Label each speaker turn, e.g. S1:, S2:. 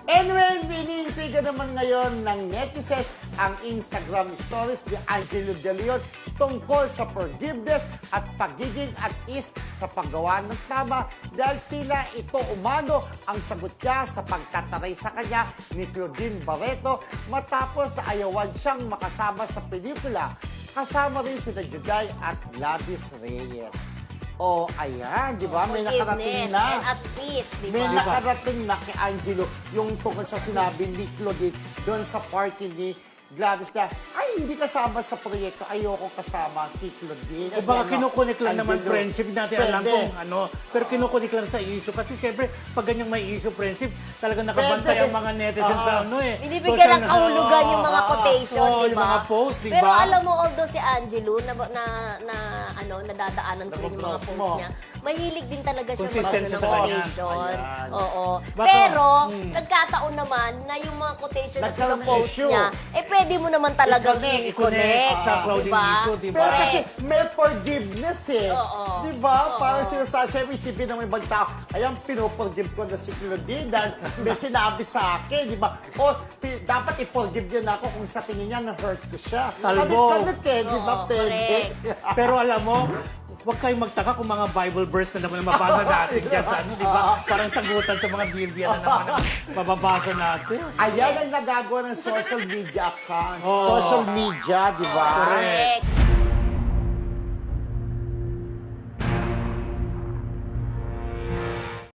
S1: Anyway, iniintriga naman ngayon ng netizens ang Instagram stories ni Angelo De Leon tungkol sa forgiveness at pagiging at ease sa paggawa ng tama dahil tila ito umano ang sagot niya sa pagtataray sa kanya ni Claudine Barreto matapos na ayawan siyang makasama sa pelikula. Kasama rin sina Juday at Gladys Reyes. Oh, ayan, di ba? May nakarating na.
S2: And at peace, di
S1: May
S2: ba?
S1: nakarating na kay Angelo yung tungkol sa sinabi ni Claudine doon sa party ni Gladys na, ay, hindi kasama sa proyekto. Ayoko kasama si Claudine.
S3: O baka kinukunik lang naman
S1: Angelo.
S3: friendship natin. Alam
S1: Pwede.
S3: kung ano. Pero kinukunik lang sa issue. Kasi siyempre, pag ganyang may issue friendship, talagang nakabantay
S1: Pwede.
S3: ang mga netizen sa ano eh.
S2: Binibigyan ng kahulugan yung mga quotation,
S3: Oo,
S2: di
S3: yung
S2: ba?
S3: mga post, di
S2: Pero
S3: ba?
S2: alam mo, although si Angelo, nadadaanan ko rin yung mga
S1: Nababloss
S2: post
S1: mo.
S2: niya, mahilig din talaga siya
S3: Consistent
S2: mag-ano
S3: siya
S2: ng
S3: talaga.
S2: quotation.
S1: Ayan.
S2: Oo.
S3: Baka-
S2: Pero, nagkataon naman na yung mga quotation na
S1: Nagkaroon ng
S2: pinopost
S1: issue.
S2: niya, pwede mo naman talagang
S1: I-connect
S2: i-connect.
S3: sa Claudine issue, di ba?
S1: Pero kasi may forgiveness eh.
S2: Oo.
S1: Di ba?
S2: Oo.
S1: Parang sinasabi, siyempre isipin ng ibang tao, ayan, pinoforgive ko na si Claudine dahil may sinabi sa akin, di ba? O, dapat i-forgive yun ako kung sa tingin niya na-hurt ko siya.
S3: Talbo.
S1: Kanit eh, di ba?
S2: Oo,
S1: Pwede.
S3: Pero alam mo, huwag kayong magtaka kung mga Bible verse na naman ang mabasa natin dyan sa ano, di ba? Parang sagutan sa mga Biblia na naman ang mababasa natin.
S1: Ayan ang nagagawa ng social media accounts.
S3: Oo.
S1: Social media, di ba?
S3: Correct.
S2: Correct.